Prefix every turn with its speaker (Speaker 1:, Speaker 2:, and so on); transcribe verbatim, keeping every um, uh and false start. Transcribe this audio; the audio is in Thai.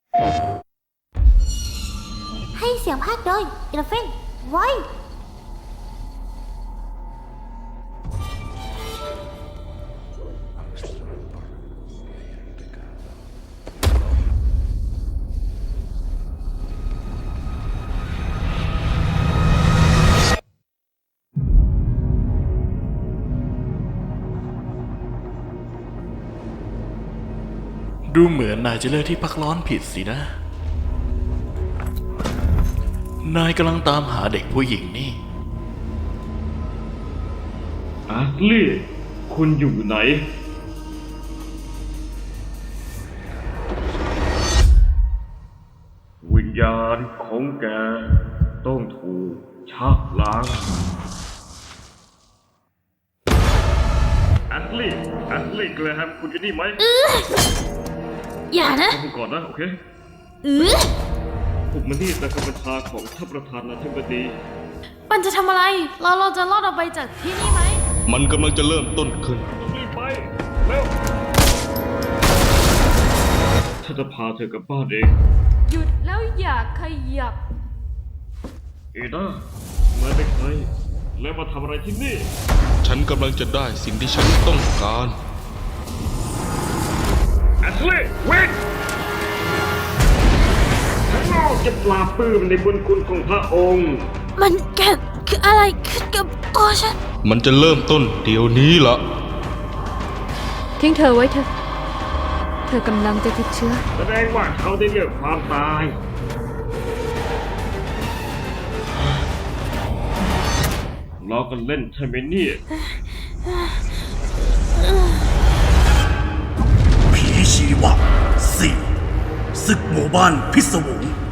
Speaker 1: ให้เสียงภาคโดยอีเลฟเฟนไว้
Speaker 2: ดูเหมือนนายจะเลือกที่พักร้อนผิดสินะ นายกำลังตามหาเด็กผู้หญิงนี่
Speaker 3: อาร์ลี่คุณอยู่ไหนวิญญาณของแกต้องถูกชักล้างอาร์ลี่อาร์ลี่แกลแฮมคุณอยู่นี่ไหม
Speaker 1: อย่านะ
Speaker 3: ผมก่อนนะโอเค
Speaker 1: เออ
Speaker 3: ผมมานี่ตามคำบัญชาของท่านประธานาธิบดี
Speaker 4: มันจะทำอะไร เราเราจะรอดออกไปจากที่นี่ไหม
Speaker 5: มันกำลังจะเริ่มต้นขึ้น
Speaker 3: ต้องรีบไปเร็วฉันจะพาเธอกลับบ้านเอง
Speaker 4: หยุดแล้วอย่าขยับ
Speaker 3: เอด้ามาเป็นใครแล้วมาทำอะไรที่นี่
Speaker 5: ฉันกำลังจะได้สิ่งที่ฉันต้องการ
Speaker 3: แอชลีย์วิ่งข้างนอกจะปราบปลื้มในบุญคุณของพระองค์
Speaker 1: มันเกิดคืออะไรขึ้นกับตัวฉัน
Speaker 5: มันจะเริ่มต้นเดี๋ยวนี้ละ
Speaker 4: ทิ้งเธอไว้เถอะ เธอกำลังจะติดเชื้อ
Speaker 3: แสดงว่าเขาได้เลือกความตายล้อกันเล่นใช่ไหมเนี่ย
Speaker 6: ผีชีวะสี่ศึกหมู่บ้านพิศวง